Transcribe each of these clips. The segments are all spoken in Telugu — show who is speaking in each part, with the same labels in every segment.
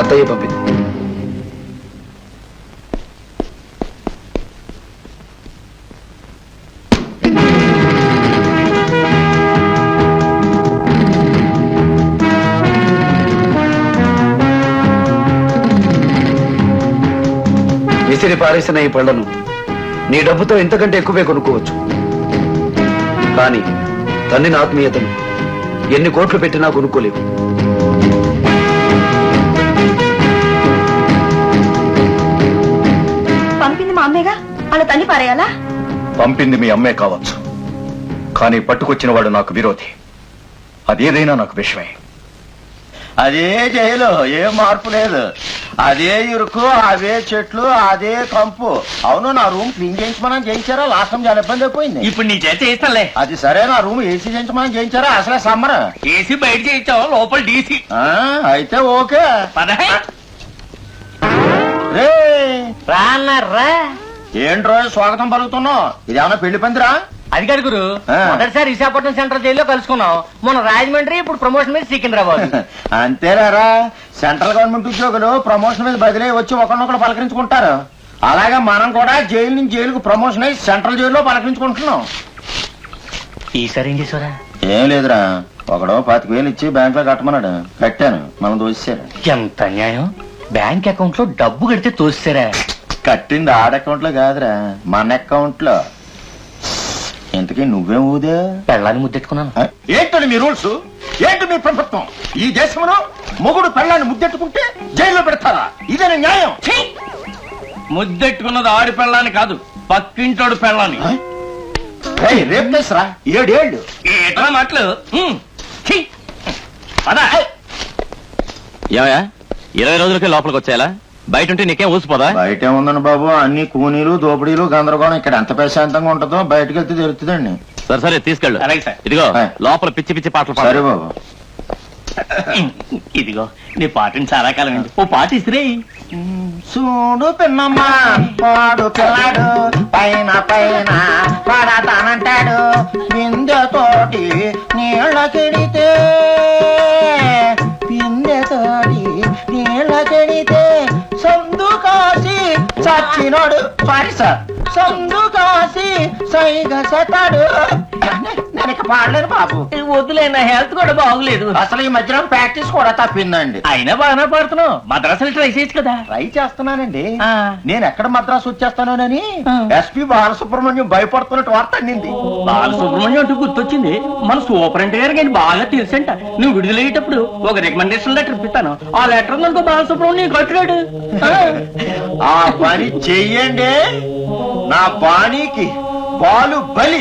Speaker 1: అత్తయ్య పంపింది. విసిరి పారేసిన ఈ పళ్లను నీ డబ్బుతో ఇంతకంటే ఎక్కువే కొనుక్కోవచ్చు. కానీ తన్నిన ఆత్మీయతను ఎన్ని కోట్లు పెట్టినా కొనుక్కోలేవు.
Speaker 2: పంపింది మా అమ్మేగా, అలా తన్ని పారేయాలా?
Speaker 3: పంపింది మీ అమ్మే కావచ్చు, కానీ పట్టుకొచ్చిన వాడు నాకు విరోధి. అదేదైనా నాకు విషయమే.
Speaker 4: అదే జైలు, ఏం మార్పు లేదు. అదే ఇరుకు, అవే చెట్లు, అదే కంపు. అవును, నా రూమ్ క్లీన్ చేయించమని చేయించారా? లాస్ట్ టైం చాలా ఇబ్బంది అయిపోయింది.
Speaker 5: ఇప్పుడు నీ చేత చేయిస్తానులే.
Speaker 4: అది సరే, నా రూమ్ ఏసీ చేయించమని చేయించారా? అసలే సమ్మర్.
Speaker 5: ఏసీ బయట చేయించావు, లోపల డీసీ.
Speaker 4: అయితే ఓకే. రే
Speaker 5: రా అన్నారా?
Speaker 4: ఏంట్రో స్వాగతం పలుకుతున్నావు? ఇది ఏమన్నా పెళ్లి పందిరా?
Speaker 5: అది కాదు గురు, మొదటిసారి విశాఖపట్నం సెంట్రల్ జైల్లో కలుసుకున్నాం. మొన్న రాజమండ్రి, ఇప్పుడు ప్రమోషన్ మీద సికింద్రాబాద్.
Speaker 4: అంతేలేరా, సెంట్రల్ గవర్నమెంట్ ఉద్యోగులు ప్రమోషన్ మీద బదిలీ వచ్చి ఒకరినొకరు పలకరించుకుంటారు. అలాగే మనం కూడా జైలు నుంచి జైలుకు ప్రమోషన్ అయ్యి సెంట్రల్ జైల్లో పలకరించుకుంటున్నాం.
Speaker 5: ఈసారి ఏం చేసారా?
Speaker 4: ఏం లేదురా, ఒకడో 25,000 ఇచ్చి బ్యాంక్ లో కట్టమన్నాడు. కట్టాను, మనం దోసేశారు.
Speaker 5: ఎంత అన్యాయం! బ్యాంక్ అకౌంట్ లో డబ్బు కడితే తోస్తారా?
Speaker 4: కట్టింది ఆడ అకౌంట్ లో కాదురా, మన అకౌంట్ లో. ఇంతకీ నువ్వేం ఊదే?
Speaker 5: పెళ్ళాన్ని ముద్దెట్టుకున్నాను.
Speaker 4: ఏంటండి మీ రూల్స్? ఏంటి మీ ప్రభుత్వం? ఈ దేశంలో మొగుడు పెళ్ళాన్ని ముద్దెట్టుకుంటే జైల్లో పెడతారా? ఇదేనా న్యాయం?
Speaker 5: ముద్దెట్టుకున్నది ఆడి పెళ్ళాన్ని కాదు, పక్కింటోడు పెళ్ళాన్ని.
Speaker 4: రేపు చేసరా 7 ఏళ్ళు.
Speaker 5: ఏటా మాటలు?
Speaker 6: 20 రోజులకే లోపలికి వచ్చేయాలా? బయట ఉంటే నీకేం ఊసిపోదా?
Speaker 4: బయట ఏముందండి బాబు, అన్ని కూనీలు, దోపిడీలు, గందరగోళం. ఇక్కడ ఎంత ప్రశాంతంగా ఉంటుందో బయటకు వెళ్తే తెలుస్తుందండి.
Speaker 6: సరే సరే, తీసుకెళ్ళు.
Speaker 5: అలాగే సార్.
Speaker 6: ఇదిగో లోపల పిచ్చి పిచ్చి పాటలు
Speaker 4: సరే బాబు.
Speaker 5: ఇదిగో నీ పాటని చాలా కాలం అండి, ఓ పాట ఇసిరే.
Speaker 4: చూడు పిన్నమ్మా, వాడు పిల్లాడు పైన పైన పడతానంటాడు. బిందెతోటి నీళ్ళ కెడితే, బిందెతోటి నీళ్ళ కెడితే సందు కాసి చచ్చినోడు. సారీ సార్, సందు కాసి సైగ సతాడు. నేను ఇక పాడలేను బాబు.
Speaker 5: వద్దులే, నా హెల్త్ కూడా బాగులేదు.
Speaker 4: అసలు ఈ మధ్యలో ప్రాక్టీస్ కూడా తప్పిందండి.
Speaker 5: అయినా బాగానే పాడుతున్నావు. మద్రాసులు ట్రై చేయొచ్చు కదా.
Speaker 4: ట్రై చేస్తున్నానండి.
Speaker 5: ఆ.
Speaker 4: నేను ఎక్కడ మద్రాసు వచ్చేస్తానోనని ఎస్పీ బాలసుబ్రహ్మణ్యం భయపడుతున్నట్టు వార్త అందింది.
Speaker 5: బాలసుబ్రహ్మణ్యం అంటూ గుర్తొచ్చింది. మన సూపరింటెండెంట్ గారికి ఆయన బాగా తెలుసంట. నువ్వు విడుదలయ్యేటప్పుడు ఒక రికమెండేషన్ లెటర్ ఇప్పిస్తాను. ఆ లెటర్ నుండి బాలసుబ్రహ్మణ్యం కట్టాడు.
Speaker 4: ఆ పని చెయ్యండి, నా బాణీకి బాలు బలి.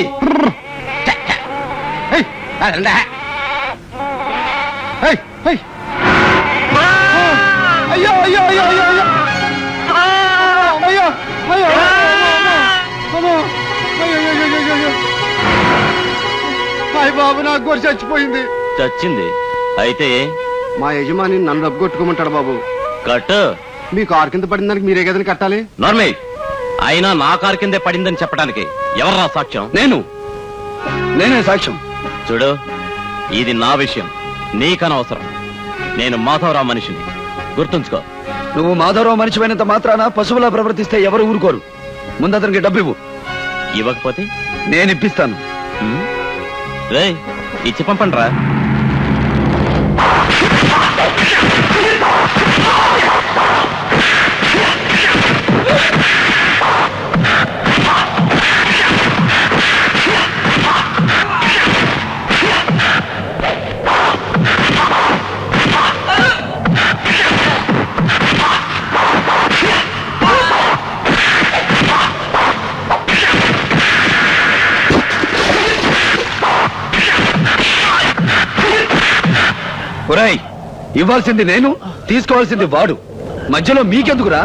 Speaker 1: అయ్యో అయ్యో అయ్యో అయ్యో అయ్యో అయ్యో అయ్యో హాయ్ బాబు, నాకు గొర్రె చచ్చిపోయింది.
Speaker 6: చచ్చింది అయితే
Speaker 1: మా యజమాని నన్ను డబ్బు కొట్టుకోమంటాడు బాబు.
Speaker 6: కట్టు.
Speaker 1: మీ కారు కింద పడిన దానికి మీరే కదని కట్టాలి.
Speaker 6: నార్మల్. అయినా నా కారు కిందే పడిందని చెప్పడానికి ఎవర్రా సాక్ష్యం?
Speaker 1: నేనే సాక్ష్యం.
Speaker 6: చూడు, ఇది నా విషయం, నీకనవసరం. నేను మాధవరావు మనిషిని, గుర్తుంచుకో.
Speaker 1: నువ్వు మాధవరావు మనిషిపోయినంత మాత్రాన పశువులా ప్రవర్తిస్తే ఎవరు ఊరుకోరు. ముందు అతనికి డబ్బు ఇవ్వు.
Speaker 6: ఇవ్వకపోతే
Speaker 1: నేను ఇప్పిస్తాను.
Speaker 6: రేయ్, ఇచ్చి పంపండి రా.
Speaker 1: ఒరేయ్, ఇవ్వాల్సింది నేను, తీసుకోవాల్సింది వాడు. మధ్యలో మీకెందుకురా?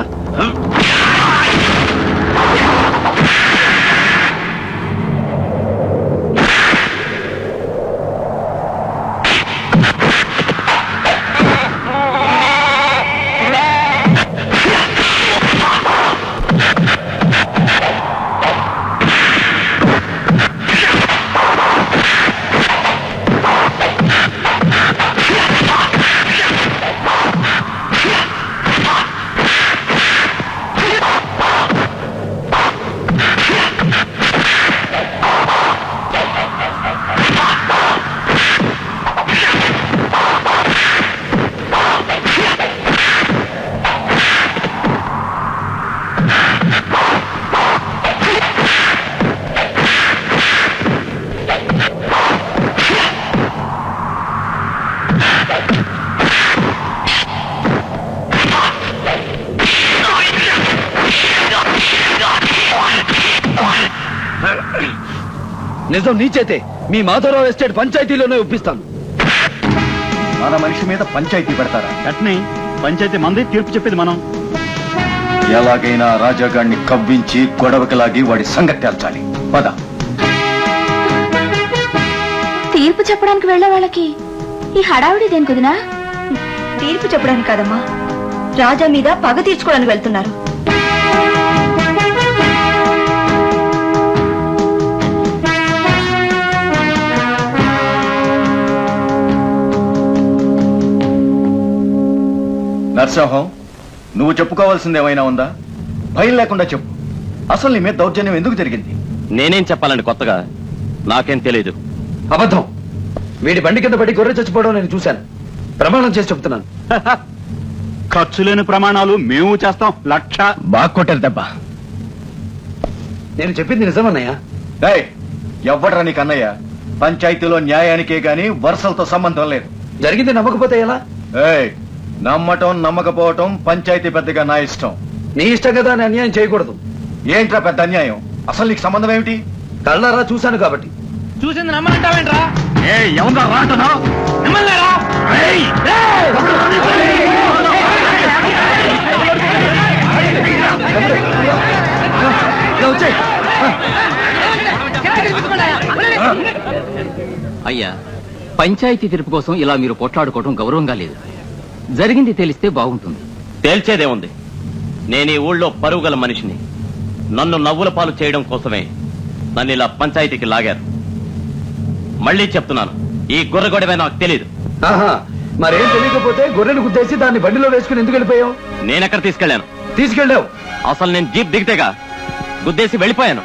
Speaker 1: నిజం నీ చేతే మీ మాధవరావు ఎస్టేట్ పంచాయతీలోనే ఒప్పిస్తాను.
Speaker 3: మన మనిషి మీద పంచాయతీ పెడతారా?
Speaker 7: అట్నే పంచాయతీ మంది తీర్పు చెప్పేది మనం.
Speaker 3: ఎలాగైనా రాజాగాడిని కవ్వించి గొడవకి లాగి వాడి సంగతి తేల్చాలి. పద.
Speaker 2: తీర్పు చెప్పడానికి వెళ్లే వాళ్ళకి ఈ హడావిడి దేని కుదినా? తీర్పు చెప్పడానికి కాదమ్మా, రాజా మీద పగ తీర్చుకోవడానికి వెళ్తున్నారు.
Speaker 3: నరసింహం, నువ్వు చెప్పుకోవాల్సింది ఏమైనా ఉందా? భయం లేకుండా చెప్పు. అసలు నీ మీద దౌర్జన్యం ఎందుకు జరిగింది?
Speaker 6: నేనేం చెప్పాలండి కొత్తగా? నాకేం తెలియదు.
Speaker 1: అబద్ధం. వీడి బండి కింద పడి గొర్రె చచ్చిపోవడం నేను చూశాను. ప్రమాణం చేసి చెప్తున్నాను.
Speaker 7: ఖర్చు లేని ప్రమాణాలు మేము చేస్తాం. 1,00,000.
Speaker 3: బాగా కొట్టారు దెబ్బ.
Speaker 1: నేను చెప్పింది నిజమన్నయ్య.
Speaker 3: ఎవ్వడ్రా నీకు అన్నయ్య? పంచాయతీలో న్యాయానికే గాని వరుసలతో సంబంధం లేదు.
Speaker 1: జరిగింది నమ్మకపోతే ఎలా?
Speaker 3: నమ్మటం నమ్మకపోవటం పంచాయతీ పెద్దగా నా ఇష్టం.
Speaker 1: నీ ఇష్టం కదా అని అన్యాయం చేయకూడదు.
Speaker 3: ఏంట్రా పెద్ద అన్యాయం? అసలు నీకు సంబంధం ఏమిటి?
Speaker 1: కళ్ళారా చూశాను కాబట్టి.
Speaker 5: చూసింది నమ్మంటావేంట్రా?
Speaker 7: ఎవరు రాంటున్నావు?
Speaker 1: వచ్చాయి.
Speaker 5: అయ్యా, పంచాయతీ తీర్పు కోసం ఇలా మీరు కొట్లాడుకోవడం గౌరవంగా లేదు. జరిగింది తెలిస్తే బాగుంటుంది.
Speaker 6: తేల్చేదేముంది? నేను ఈ ఊళ్ళో పరుగుగల మనిషిని. నన్ను నవ్వుల పాలు చేయడం కోసమే నన్ను ఇలా పంచాయతీకి లాగారు. మళ్ళీ చెప్తున్నాను, ఈ గొర్రెగొడవే నాకు తెలీదు.
Speaker 1: మరేం తెలియకపోతే గొర్రెను గుద్దేసి దాన్ని బండిలో వేసుకుని ఎందుకు వెళ్ళిపోయావు?
Speaker 6: నేనెక్కడ తీసుకెళ్లాను?
Speaker 1: తీసుకెళ్ళావు.
Speaker 6: అసలు నేను జీప్ దిగితేగా గుద్దేసి వెళ్ళిపోయాను.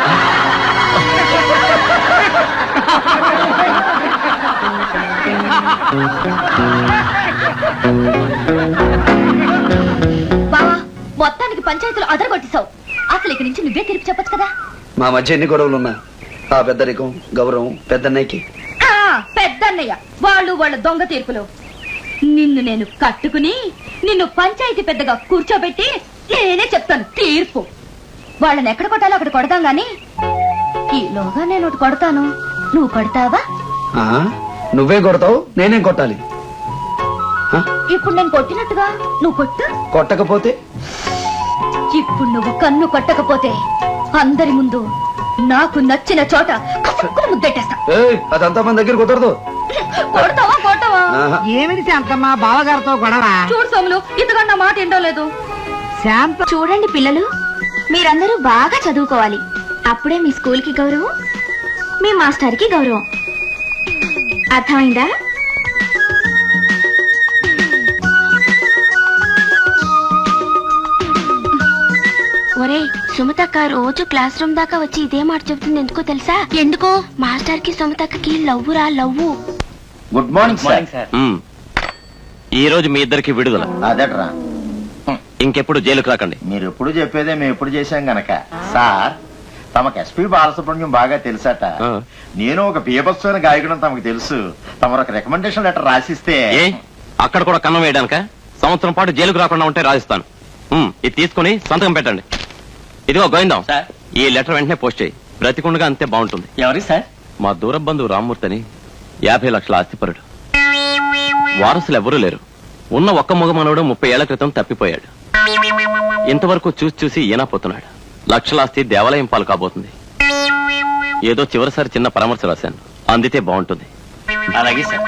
Speaker 2: బావా, మొత్తానికి పంచాయతీలో అదరగొట్టేశావు. అసలు ఇక్కడి నుంచి నువ్వే తీర్పు చెప్పొచ్చు కదా.
Speaker 1: మా మధ్య ఎన్ని గొడవలున్నా ఆ పెద్దరికం గౌరవం పెద్దన్నయ్యకి.
Speaker 2: పెద్దన్నయ్య వాళ్ళ దొంగ తీర్పులు. నిన్ను నేను కట్టుకుని నిన్ను పంచాయతీ పెద్దగా కూర్చోబెట్టి నేనే చెప్తాను తీర్పు. వాళ్ళని ఎక్కడ కొట్టాలో అక్కడ కొడదాం గాని ఈలోగా నేను ఒకటి కొడతాను, నువ్వు కొడతావా?
Speaker 1: నువ్వే కొడతావు, నేనేం కొట్టాలి?
Speaker 2: ఇప్పుడు నేను కొట్టినట్టుగా నువ్వు కొట్టు.
Speaker 1: కొట్టకపోతే?
Speaker 2: ఇప్పుడు నువ్వు కన్ను కొట్టకపోతే అందరి ముందు నాకు నచ్చిన చోట ముద్దెట్టేస్తా.
Speaker 1: అదంతా మన దగ్గర కుదరదు.
Speaker 2: కొడతావా కొట్టవా?
Speaker 8: ఏమిటి శాంతమ్మా బావగారితో గొడవ?
Speaker 2: చూడు సోములు, ఇంతకన్నా మాట ఏంటో లేదు.
Speaker 8: శాంత
Speaker 2: చూడండి పిల్లలు, మీరందరూ బాగా చదువుకోవాలి. అప్పుడే మీ స్కూల్ కి గౌరవం, మీ మాస్టర్ కి గౌరవం. అర్థమైందా? ఒరే సుమతక్క రోజు క్లాస్ రూమ్ దాకా వచ్చి ఇదే మాట చెబుతుంది. ఎందుకో తెలుసా? ఎందుకో? మాస్టర్ కి సుమతక్కకి లవ్వురా లవ్వు.
Speaker 4: Good morning sir.
Speaker 6: ఈ రోజు మీ ఇద్దరికి విడుదల.
Speaker 4: అదేట్రా,
Speaker 6: ఇంకెప్పుడు జైలుకు రాకండి.
Speaker 4: మీరు ఎప్పుడు చెప్పేదే మేము ఎప్పుడు చేశాం గనక. సార్, తమకు ఎస్పీ బాలసుబ్రహ్మణ్యం బాగా తెలుసట. నేను ఒక బీభత్సమైన గాయకుడు తమకు తెలుసు. తమరు ఒక రికమెండేషన్ లెటర్ రాసిస్తే.
Speaker 6: అక్కడ కూడా కన్నం వేయడానిక? సంవత్సరం పాటు జైలుకు రాకుండా ఉంటే రాసిస్తాను. ఇది తీసుకుని సంతకం పెట్టండి. ఇదిగో గోవిందం, ఈ లెటర్ వెంటనే పోస్ట్ చేయి. బ్రతికుండగా అంతే బాగుంటుంది.
Speaker 5: ఎవరి సార్?
Speaker 6: మా దూర బంధువు రామ్మూర్తిని 50 లక్షల ఆస్తిపరుడు. వారసులు ఎవరూ లేరు. ఉన్న ఒక్క మగ మనవడు 30 ఏళ్ల క్రితం తప్పిపోయాడు. ఇంతవరకు చూసి ఈనాపోతున్నాడు. లక్షలాస్తి దేవాలయం పాలు కాబోతుంది. ఏదో చివరిసారి చిన్న పరామర్శ రాశాను, అందితే బాగుంటుంది.
Speaker 5: అలాగే సార్.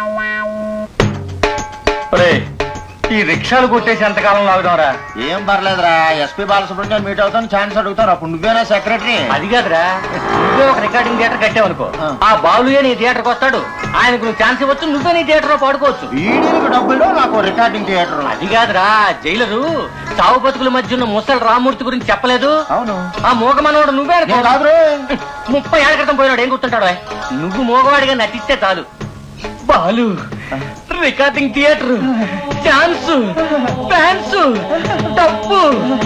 Speaker 3: ఈ రిక్షాలు కొట్టేసి ఎంతకాలం లాగుదాంరా?
Speaker 4: ఏం పర్లేదురా, ఎస్పీ బాలసుబ్రహ్మణ్యం మీట్ అవుతాను ఛాన్స్ అడుగుతాను. అప్పుడు నువ్వేనా సెక్రటరీ?
Speaker 5: అది కాదురా, నువ్వే ఒక రికార్డింగ్ థియేటర్ కట్టావనుకో, ఆ బాలుయే నీ థియేటర్కి వస్తాడు. ఆయనకు నువ్వు ఛాన్స్ ఇవ్వచ్చు, నువ్వే నీ థియేటర్ లో పాడుకోవచ్చు.
Speaker 4: వీడికి డబ్బులు, నాకు రికార్డింగ్ థియేటర్.
Speaker 5: అది కాదురా, జైలరు చావు బతుకుల మధ్య ఉన్న ముసలి రామ్మూర్తి గురించి చెప్పలేదు?
Speaker 4: అవును.
Speaker 5: ఆ మూగ మనవాడు నువ్వే
Speaker 4: కాదు.
Speaker 5: 30 ఏళ్ల క్రితం పోయినాడు. ఏం గుర్తుంటాడు? నువ్వు మూగవాడిగా నటిస్తే చాలు. Balu, recording theatre, chance, fans, డబ్బు.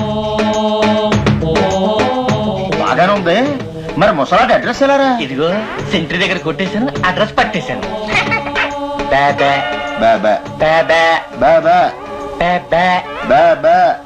Speaker 4: బాగానే ఉంది. మరి ముసలాటి అడ్రస్ ఎలారా?
Speaker 5: ఇదిగో సెంట్రీ దగ్గర కొట్టేశాను, అడ్రస్ పట్టేశాను.
Speaker 4: బాబా బాబా బాబా బాబా బాబా